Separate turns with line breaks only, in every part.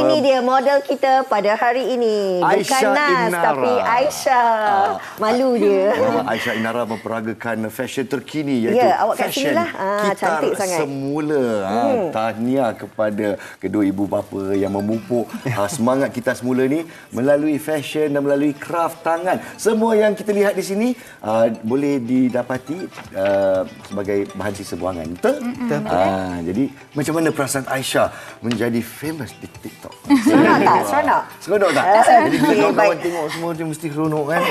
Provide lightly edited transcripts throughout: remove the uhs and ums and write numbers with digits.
Ini dia model kita pada hari ini. Bukan Nas, tapi Aisyah. Malu dia.
Aisyah Inara memperagakan fashion terkini, iaitu
awak kat
fashion
sinilah. Cantik sangat.
Semula. Tahniah kepada kedua ibu bapa yang memupuk semangat kita semula ni melalui fashion dan melalui craft tangan. Semua yang kita lihat di sini boleh didapati sebagai bahan sisa buangan. Betul? Jadi macam mana perasaan Aisyah menjadi famous di TikTok?
Seronok tak?
Seronok tak? Jadi bila kawan-kawan tengok semua dia mesti seronok kan?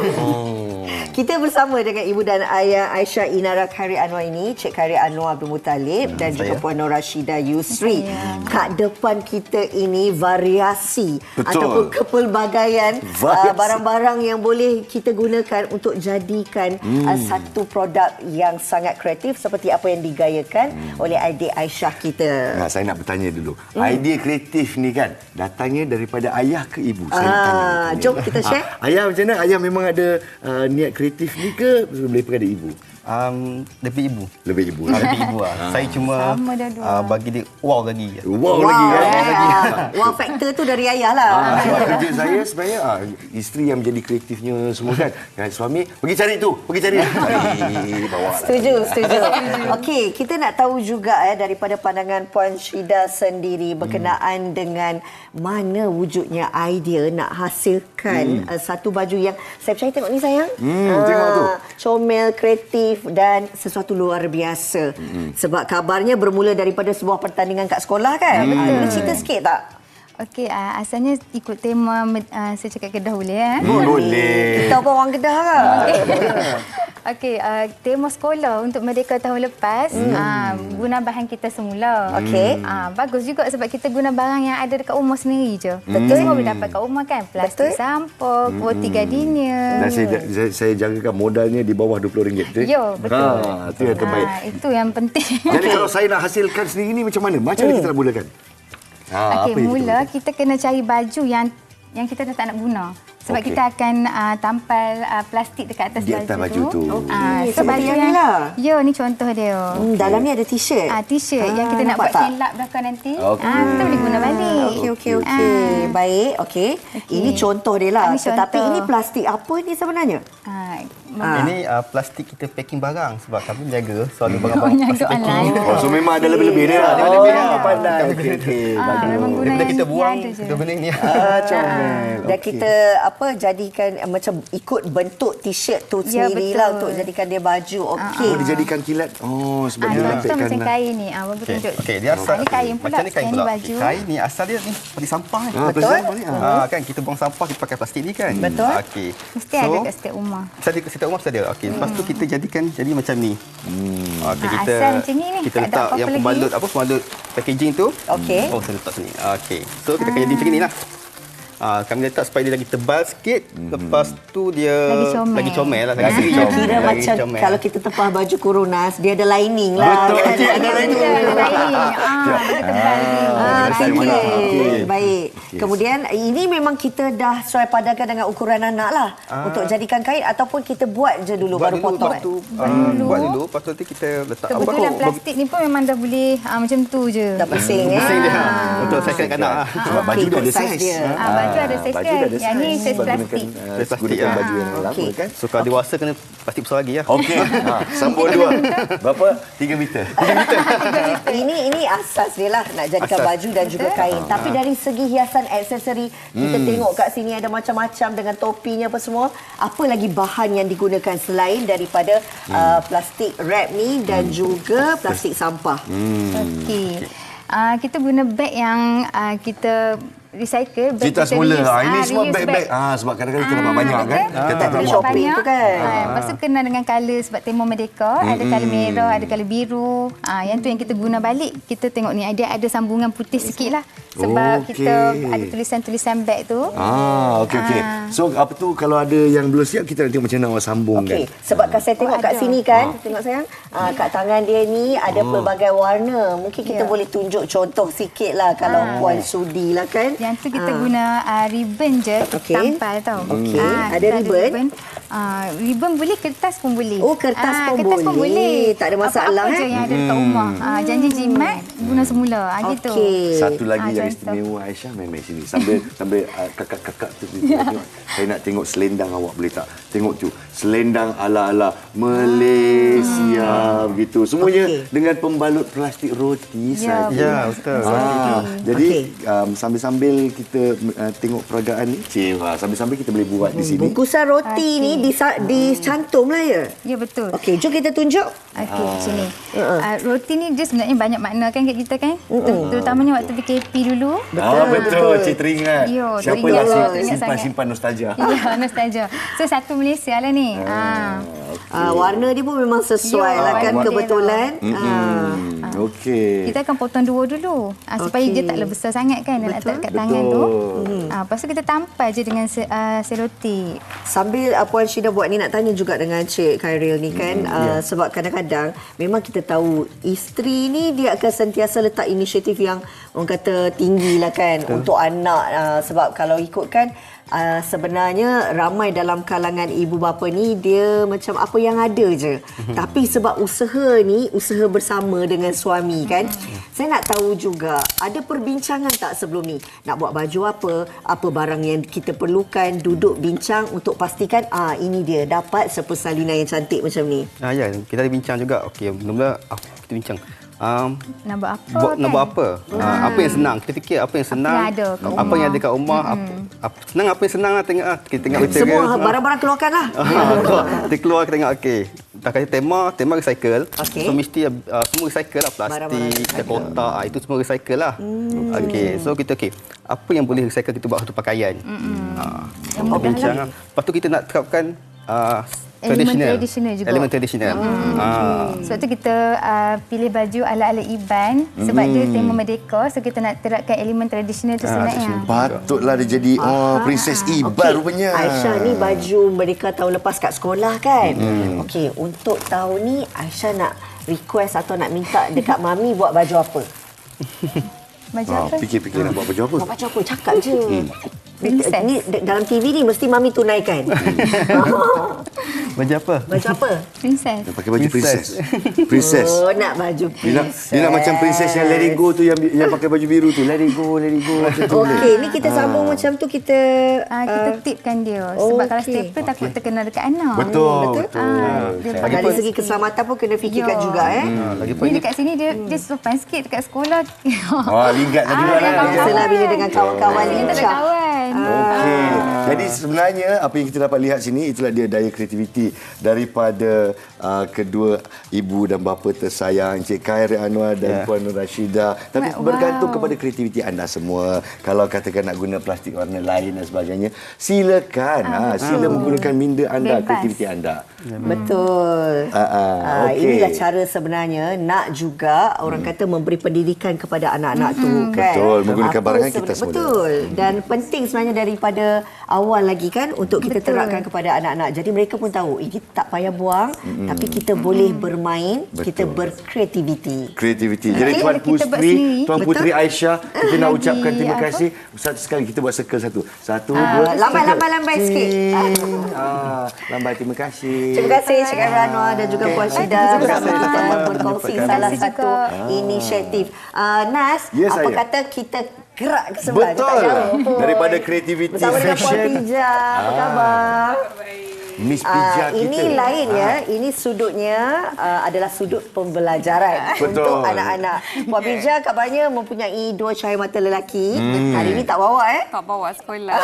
Kita bersama dengan ibu dan ayah Aisyah Inara Khairy Anwar ini, Cik Khairy Anwar Abdul Muttalib dan juga Puan Nur Rashidah Yusri. Kat depan kita ini variasi ataupun kepelbagaian barang-barang yang boleh kita gunakan untuk jadikan satu produk yang sangat kreatif seperti apa yang digayakan oleh adik Aisyah kita.
Saya nak bertanya dulu. Idea kreatif ni kan datangnya daripada ayah ke ibu? Saya nak tanya.
Jom kita share.
Ayah macam mana? Ayah memang ada niat kreatif ni ke daripada ibu?
Lebih ibu.
Lebih ibu.
Lebih ibu lah. Saya cuma bagi dia wow lagi.
Wow lagi kan?
Wow factor tu dari ayah lah.
Sebab kerja saya sebenarnya isteri yang menjadi kreatifnya semua kan. Dan suami pergi cari tu, pergi cari. Bawa lah.
Setuju. Okey, kita nak tahu juga daripada pandangan Puan Syida sendiri berkenaan dengan mana wujudnya idea nak hasilkan satu baju yang saya percaya tengok ni sayang.
Tengok tu.
Comel, kreatif dan sesuatu luar biasa. Sebab kabarnya bermula daripada sebuah pertandingan kat sekolah kan? Boleh cerita sikit tak?
Okey, asalnya ikut tema saya cakap Kedah boleh ya?
Boleh.
Kita apa orang Kedah ke?
Okey, tema sekolah untuk Merdeka tahun lepas guna bahan kita semula.
Okey.
Bagus juga sebab kita guna barang yang ada dekat rumah sendiri je. Betul. Semua boleh dapat kat rumah kan? Plastik sampah, kuoti gardenia.
Dan saya jangkakan modalnya di bawah RM20.
Ya, betul.
Itu yang terbaik.
Itu yang penting.
Jadi kalau saya nak hasilkan sendiri ni macam mana? Macam mana kita nak mulakan?
Okey, mula kita kena cari baju yang kita dah tak nak guna. Sebab kita akan tampal plastik dekat atas
di atas baju tu.
So baju yang ni lah.
Ya, ni contoh dia.
Dalam ni ada t-shirt.
T-shirt yang kita nak buat silap belakang nanti. Kita boleh guna balik.
Okey. Baik, okey. Ini contoh dia lah. Tetapi ini plastik apa ni sebenarnya?
Ini plastik kita packing barang sebab kami jaga selalu barang-barang plastik packing.
So memang ada lebih-lebih dia lah. Pandai. Okey.
Daripada kita buang, kita benda ni.
Comel.
Dan kita jadikan macam ikut bentuk t-shirt tu sendirilah untuk jadikan dia baju. Okey.
Dijadikan kilat. Sebab dia
contoh macam
lah.
kain ni. Bagi tunjuk.
Okey, dia asal
ni kain pula.
Macam ni kain pula.
Baju.
Kain ni asal dia ni seperti sampah ni.
Betul.
Kan kita buang sampah kita pakai plastik ni kan.
Betul.
Okey.
Mesti ada kat setiap rumah.
Setiap rumah mesti ada. Okey, lepas tu kita jadikan jadi macam ni. Okey, kita
asal macam ni.
Kita letak yang pembalut packaging tu.
Okey.
Saya letak sini. Okey. So kita akan jadi macam inilah. Kami letak supaya dia lagi tebal sikit. Lepas tu dia lagi comel lah.
Kira macam kalau kita tepah baju Coronas, dia ada lining lah.
Betul.
Ada lining. Baik. Kemudian ini memang kita dah sesuai padankan dengan ukuran anak lah. Untuk jadikan kain ataupun kita buat je dulu baru potong.
Buat dulu. Lepas tu nanti kita letak
kebetulan plastik ni pun memang dah boleh macam tu je.
Dah pusing
Untuk saya kanak-kanak.
Sebab baju dah ada saiz.
Baju ada saiz kan? Yang ni saiz plastik.
Saiz plastik baju yang lama kan?
So kalau dewasa kena plastik besar lagi ya.
Okey. Sambung dua. Berapa? 3 meter.
Ini asas dia lah nak jadikan baju dan juga kain. Tapi dari segi hiasan aksesori, kita tengok kat sini ada macam-macam dengan topinya apa semua. Apa lagi bahan yang digunakan selain daripada plastik wrap ni dan juga plastik sampah?
Okey. Kita guna beg yang kita recycle.
Cerita semula. Ini semua beg-beg. Sebab kadang-kadang kita dapat banyak kan. Kita tak
boleh shopping tu kan.
Lepas tu kena dengan colour sebab tema Merdeka. Ada colour merah, ada colour biru. Yang tu yang kita guna balik. Kita tengok ni ada sambungan putih sikit lah. Sebab kita ada tulisan-tulisan beg tu.
Okey. So apa tu kalau ada yang belum siap kita nak tengok macam mana awak sambung kan.
Sebab saya tengok kat sini kan. Tengok sayang. Kat tangan dia ni ada pelbagai warna. Mungkin kita boleh tunjuk contoh sikit lah kalau Puan sudi lah kan.
Yang tu kita guna ribbon je, tampal tau.
Okey, ada ribbon.
Ribbon boleh, kertas pun boleh.
Kertas pun boleh. Tak ada masalah.
Apa-apa je yang ada dekat rumah. Janji jimat. guna semula. Gitu.
Okey.
Satu lagi yang
contoh.
istimewa Aisyah, main sini. Sambil kakak-kakak tu tengok. Saya nak tengok selendang awak, boleh tak? Tengok tu. Selendang ala-ala Malaysia begitu. Semuanya dengan pembalut plastik roti saja.
Ya, betul.
Jadi sambil-sambil kita tengok peragaan ni, sambil-sambil kita boleh buat di sini.
Bungkusan roti ni dicantum lah ya?
Ya, betul.
Okey, jom kita tunjuk.
Okey, sini. Roti ni dia sebenarnya banyak makna kan kat kita kan? Terutamanya waktu PKP dulu.
Betul. Cik teringat.
Yo,
Siapalah
teringat sangat.
simpan nostalgia.
Ya, nostalgia. So, satu Malaysia lah ni.
Warna dia pun memang sesuai
Ya,
lah kan,
warna dia
kebetulan.
Okey.
Kita akan potong dua dulu. Supaya dia tak besar sangat kan. Nak letak kat tangan tu. Lepas tu kita tampal je dengan selotip.
Sambil Puan Syida buat ni, nak tanya juga dengan Cik Khairil ni kan. Sebab kadang-kadang memang kita tahu isteri ni dia akan sentiasa letak inisiatif yang orang kata tinggi lah kan untuk anak. Sebab kalau ikutkan sebenarnya ramai dalam kalangan ibu bapa ni dia macam apa yang ada je. Tapi sebab usaha ni usaha bersama dengan suami kan. Saya nak tahu juga ada perbincangan tak sebelum ni? Nak buat baju apa barang yang kita perlukan, duduk bincang untuk pastikan ini dia dapat persalinan yang cantik macam ni.
Ya, kita ada bincang juga. Okey, mula-mula kita bincang.
Nak buat apa
Nak buat apa? Apa yang senang? Kita fikir apa yang senang. Apa yang ada kat rumah. Senang apa yang senang lah tengok. Kita tengok
Semua barang-barang keluarkan lah.
Kita keluar kita tengok okey. Tak kata tema recycle.
Okey.
So mesti semua recycle lah, plastik, kotak, itu semua recycle lah. Okey, so kita apa yang boleh recycle kita buat satu pakaian. Kita bincang lah. Lepas tu kita nak terapkan elemen tradisional.
Sebab tu kita pilih baju ala-ala Iban sebab dia tema Merdeka, so kita nak terapkan elemen tradisional tu sebenarnya.
Patutlah dia jadi Princess Iban rupanya.
Aisyah ni baju Merdeka tahun lepas kat sekolah kan. Okey, untuk tahun ni Aisyah nak request atau nak minta dekat mami buat baju apa?
Baju apa?
Fikir-fikir nak buat baju apa?
Buat baju apa? Cakap je.
Princess.
Ni dalam TV ni mesti mami tunaikan.
Baju apa?
Baju apa?
Princess.
Nak pakai baju princess. Princess.
Oh, nak baju princess.
Dia nak macam princess yang let it go tu, yang pakai baju biru tu. Let it go macam tu.
Okey, ni kita sambung macam tu kita
Kita tipkan dia. Sebab kalau stapler takut terkena dekat anak.
Betul.
dari segi keselamatan pun kena fikirkan juga
Lagipun
Ni dekat sini dia sopan sikit dekat sekolah.
Ligat lagi mana.
biasalah bila dengan kawan-kawan
Kita ada
lincah.
kawan.
Okey. Jadi sebenarnya apa yang kita dapat lihat sini itulah dia daya kreativiti daripada kedua ibu dan bapa tersayang Encik Khairil Anwar dan Puan Nur Rashidah. Tapi bergantung kepada kreativiti anda semua. Kalau katakan nak guna plastik warna lain dan sebagainya, silakan. Sila menggunakan minda anda,
Bebas.
kreativiti anda.
Betul. Inilah cara sebenarnya nak juga orang kata memberi pendidikan kepada anak-anak tu kan.
Betul, menggunakan
Apa
barangan kita semula.
Betul. Dan penting sebenarnya daripada awal lagi kan untuk kita terapkan kepada anak-anak. Jadi mereka pun tahu ini tak payah buang tapi kita boleh bermain, kita berkreativiti.
Kreativiti. Jadi Tuan
Kita buat
Putri,
sendiri.
Tuan Putri Aisyah, kita nak
Lagi
ucapkan terima
apa?
kasih. Satu sekali kita buat circle satu. Satu, dua,
Lambai sikit.
Lambai, terima kasih.
Terima kasih Cik Khairil Anwar dan juga Puan Syida bersama kita berkongsi salah satu inisiatif. Nas,
Ya,
apa
saya.
kata kita gerak ke sebelah je, tak
Betul.
jauh pun.
Daripada kreativiti
Bersama dengan Puan
fashion.
Pija. Apa khabar?
Miss Pija kita.
Ini lain ya. Ini sudutnya adalah sudut pembelajaran
Betul.
untuk anak-anak. Puan Pija kabarnya mempunyai 2 cahaya mata lelaki. Hari ini tak bawa
Tak bawa sekolah.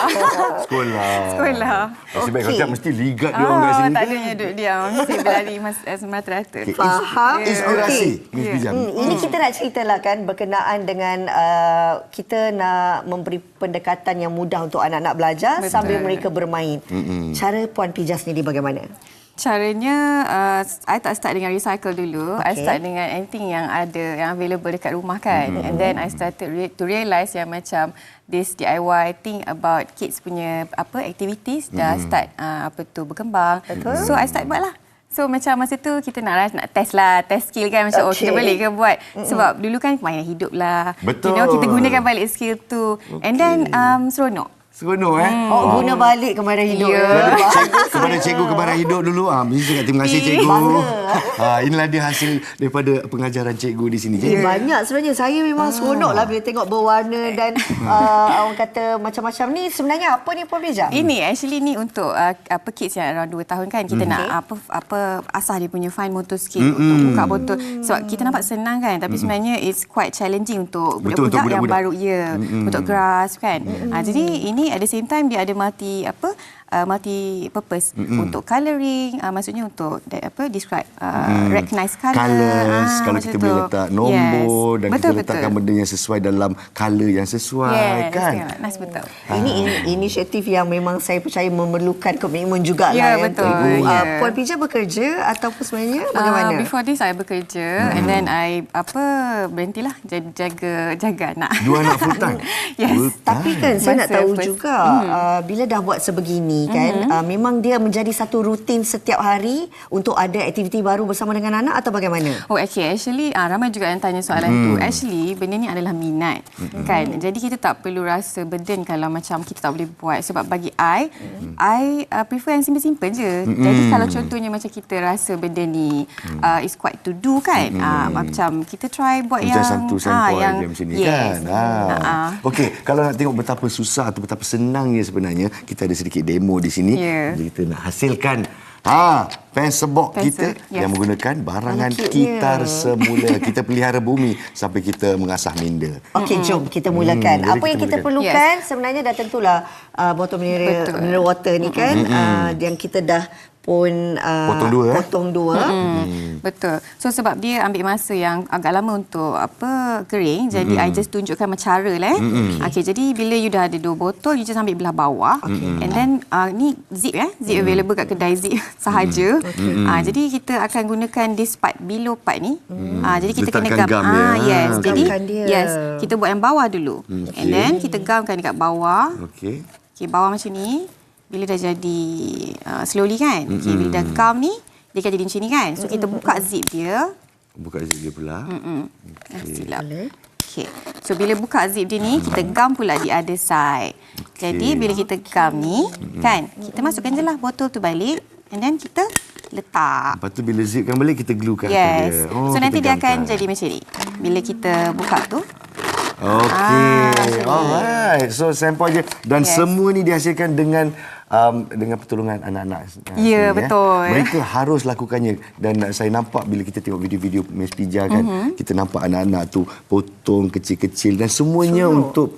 Sekolah. Nasib baik kalau tak mesti ligat dia orang kat sini.
Tak adanya duduk diam. Mesti berlari semata-rata.
Okey,
Faham?
Inspirasi.
Okey.
Miss Pija.
Ini kita nak ceritalah kan berkenaan dengan kita nak memberi pendekatan yang mudah untuk anak-anak belajar sambil mereka bermain. Cara Puan Pija sendiri bagaimana?
Caranya, I tak start dengan recycle dulu. I start dengan anything yang ada, yang available dekat rumah kan. And then I started to realise yang macam this DIY think about kids punya activities dah start berkembang. So I start buat lah. So macam masa tu kita nak test skill kan macam kita boleh ke buat sebab dulu kan mainan hidup lah.
Betul.
Kita gunakan balik skill tu. And then seronok.
Seronok
Guna balik kemaran hidup.
Ya.
Kepada cikgu kemaran hidup dulu. Mesti cakap terima kasih cikgu. Inilah dia hasil daripada pengajaran cikgu di sini.
Banyak sebenarnya. Saya memang seronok lah bila tengok berwarna dan orang kata macam-macam ni. Sebenarnya apa ni Puan Bija?
Ini actually ni untuk kids yang around 2 tahun kan. Kita nak asah dia punya fine motor skill untuk buka botol. Sebab kita nampak senang kan, tapi sebenarnya it's quite challenging untuk budak-budak yang baru untuk grasp kan. Jadi ini at the same time dia ada multi purpose untuk colouring, maksudnya untuk describe recognize
colours, kalau kita boleh letak nombor dan kita letakkan benda yang sesuai dalam colour yang sesuai kan.
Nice, betul.
Ini inisiatif yang memang saya percaya memerlukan komitmen jugalah.
Ya, betul.
Puan Bija bekerja ataupun sebenarnya bagaimana?
Before this saya bekerja and then I berhentilah jaga anak.
2 anak full time.
Yes.
Tapi kan saya nak tahu juga bila dah buat sebegini kan, memang dia menjadi satu rutin setiap hari untuk ada aktiviti baru bersama dengan anak atau bagaimana?
Actually ramai juga yang tanya soalan tu. Actually benda ni adalah minat kan. Jadi kita tak perlu rasa burden kalau macam kita tak boleh buat, sebab bagi I prefer yang simple-simple je. Jadi kalau contohnya macam kita rasa benda ni is quite to do kan, macam kita try buat
macam
yang
satu sampel yang macam ni kan. Okey, kalau nak tengok betapa susah atau betapa senangnya sebenarnya, kita ada sedikit demo di sini. Jadi kita nak hasilkan pensebok kita yang menggunakan barangan kitar semula. Kita pelihara bumi sampai kita mengasah minda.
Okey, jom kita mulakan. Apa yang kita perlukan sebenarnya dah tentulah botol mineral water ni kan, yang kita dah pun potong dua.
Betul. So sebab dia ambil masa yang agak lama untuk kering, jadi I just tunjukkan macam cara lah. Okey, jadi bila you dah ada 2 botol, you just ambil belah bawah. And then ni zip zip available kat kedai zip sahaja. Jadi kita akan gunakan this part below part ni. Jadi kita kena gam. Yes. Jadi kita buat yang bawah dulu. And then kita gamkan dekat bawah. Okey, bawah macam ni. Bila dah jadi slowly kan. Okay, bila dah gam ni, dia akan jadi macam ni kan. So kita buka zip dia.
Buka zip dia pula.
Silap. Okay. So bila buka zip dia ni, kita gam pula di other side. Jadi bila kita gam ni kan, kita masukkan je lah botol tu balik. And then kita letak.
Lepas tu bila zipkan balik, kita gluekan.
Yes. So nanti dia akan jadi macam ni. Bila kita buka tu.
Okey. Alright. So sampel je. Dan semua ni dihasilkan dengan pertolongan anak-anak.
Ya, betul.
Mereka harus lakukannya. Dan saya nampak bila kita tengok video-video Miss Pija kan, kita nampak anak-anak tu potong kecil-kecil dan semuanya untuk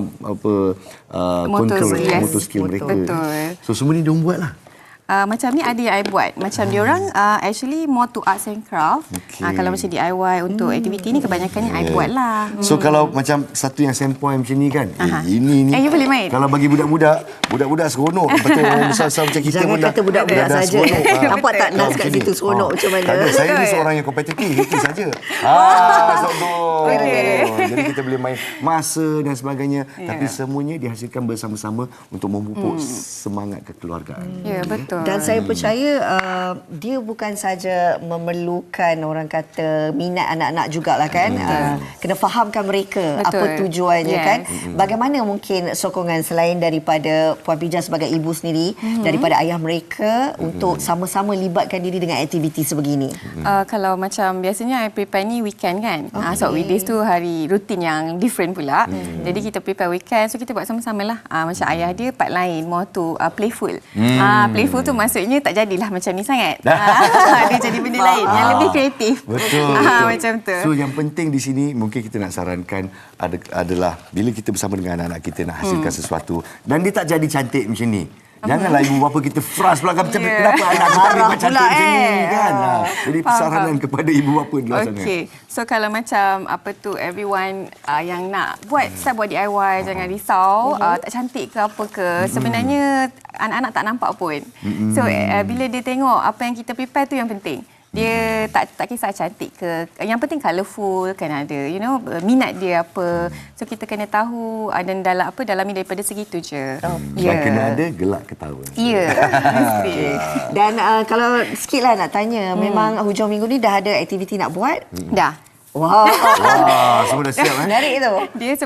control motor skill mereka.
Betul.
So semua ni diorang buat lah.
Macam ni ada yang I buat. Macam diorang actually more to arts and craft. Kalau macam DIY untuk aktiviti ni kebanyakannya I buat lah.
So kalau macam satu yang sampel macam ni kan, ini
you boleh main.
Kalau bagi budak-budak seronok. Lepas tu orang besar-besar macam kita
jangan
pun
kata budak-budak
dah
saja.
seronok.
Nampak tak Nas kat situ seronok macam mana?
Tak ada, saya ni seorang yang kompetitif, itu saja. Sombong. Jadi kita boleh main masa dan sebagainya, tapi semuanya dihasilkan bersama-sama untuk memupuk semangat kekeluargaan.
Ya, betul.
Dan saya percaya dia bukan saja memerlukan orang kata minat anak-anak jugalah kan. Kena fahamkan mereka apa tujuannya kan. Bagaimana mungkin sokongan selain daripada Puan Pija sebagai ibu sendiri, daripada ayah mereka untuk sama-sama libatkan diri dengan aktiviti sebegini?
Kalau macam biasanya I prepare ni weekend kan. So weekdays tu hari rutin yang different pula. Jadi kita prepare weekend, so kita buat sama-sama lah. Macam ayah dia part lain, more to playful. Playful tu maksudnya tak jadilah macam ni sangat. Dia jadi benda lain yang lebih kreatif.
Betul.
Macam tu.
So yang penting di sini mungkin kita nak sarankan adalah bila kita bersama dengan anak-anak kita nak hasilkan sesuatu dan dia tak jadi cantik macam ni. Janganlah ibu bapa kita frust pula macam kenapa anak kita memang cantik macam ni kan. Jadi saranan kepada ibu bapa adalah sangat.
Okey. So kalau macam everyone yang nak start buat DIY, jangan risau tak cantik ke apa ke. Sebenarnya anak-anak tak nampak pun. So bila dia tengok apa yang kita prepare tu yang penting. Dia tak kisah cantik ke. Yang penting colourful kan ada. Minat dia apa. So kita kena tahu dan dalami daripada segitu je.
Dan kena ada gelak ketawa.
Ya.
Dan kalau sikit lah nak tanya, memang hujung minggu ni dah ada aktiviti nak buat?
Dah.
Wow.
Semua dah siap
Menarik tu.
Dia sebab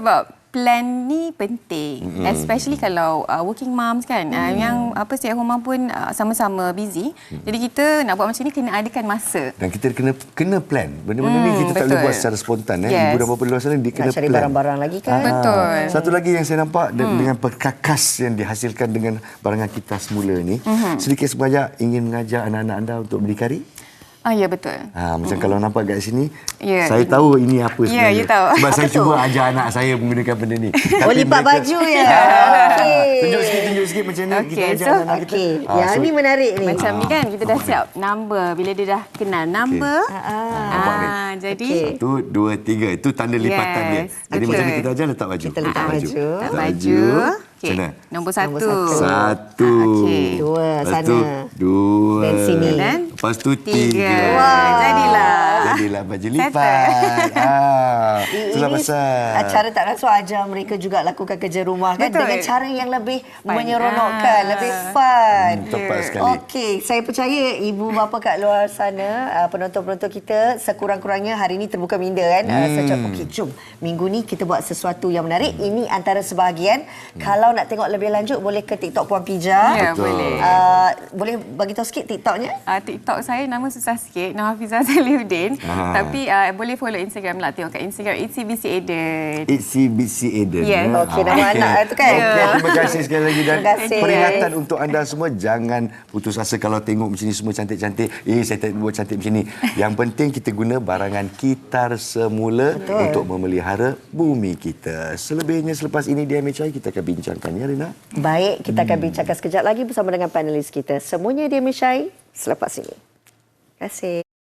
plan ni penting, especially kalau working moms kan, yang stay at home mom pun sama-sama busy. Jadi kita nak buat macam ni kena adakan masa.
Dan kita kena plan. Benda-benda ni kita tak boleh buat secara spontan.
Yes.
Ibu dan bapa luar sana dia kena
Nak cari
plan.
barang-barang lagi kan.
Betul.
Satu lagi yang saya nampak dengan perkakas yang dihasilkan dengan barangan kita semula ni, sedikit sebanyak ingin mengajar anak-anak anda untuk berdikari.
Ya, betul.
Macam kalau nampak kat sini,
Ya,
saya tahu ini apa sebenarnya.
you tahu.
Sebab saya cuba ajar anak saya menggunakan benda ni.
Oh, lipat baju ya. Okey.
Tunjuk sikit macam mana kita
Okey,
ajar
so-
anak kita.
Okey. Yang ni menarik ni.
Macam ni kan, kita dah siap number. Bila dia dah kenal number,
Nampak ni?
jadi
Okey.
1, 2, 3. Itu tanda lipatan dia.
Yes,
Jadi
betul.
macam ni kita ajar letak baju.
Kita letak baju.
Letak
baju.
Macam mana?
Nombor
Nombor
1.
Satu.
Okey.
Dua,
Lepas tu,
sana.
dua.
Dan sini.
Dan
Lepas tu 3.
3. Jadilah.
Jadilah baju lipat. Itulah pasal.
Cara tak rasuah ajar mereka juga lakukan kerja rumah kan.
Betul.
Dengan cara yang lebih
Fun.
menyeronokkan, lebih fun.
Tepat sekali.
Okey, saya percaya ibu bapa kat luar sana, penonton-penonton kita sekurang-kurangnya hari ini terbuka minda kan. Saya cakap, okey jom minggu ni kita buat sesuatu yang menarik. Ini antara sebahagian. Kalau nak tengok lebih lanjut boleh ke TikTok Puan Pija.
Ya, boleh.
Boleh bagi tahu sikit TikToknya?
TikTok saya nama susah sikit, nama Hafizah Salihuddin. Tapi boleh follow Instagram lah. Tengok kat Instagram ITCBC Eden.
ITCBC Eden.
Yes.
Okey, nama anak tu kan?
Okey, terima kasih sekali lagi dan
Terima kasih.
peringatan untuk anda semua, jangan putus asa kalau tengok macam ni semua cantik-cantik. Saya tak buat cantik macam ni. Yang penting kita guna barangan kitar semula untuk memelihara bumi kita. Selebihnya selepas ini di MHI kita akan bincangkan ya Rina.
Baik, kita akan bincangkan sekejap lagi bersama dengan panelis kita. Semuanya di MHI selepas ini. Terima kasih.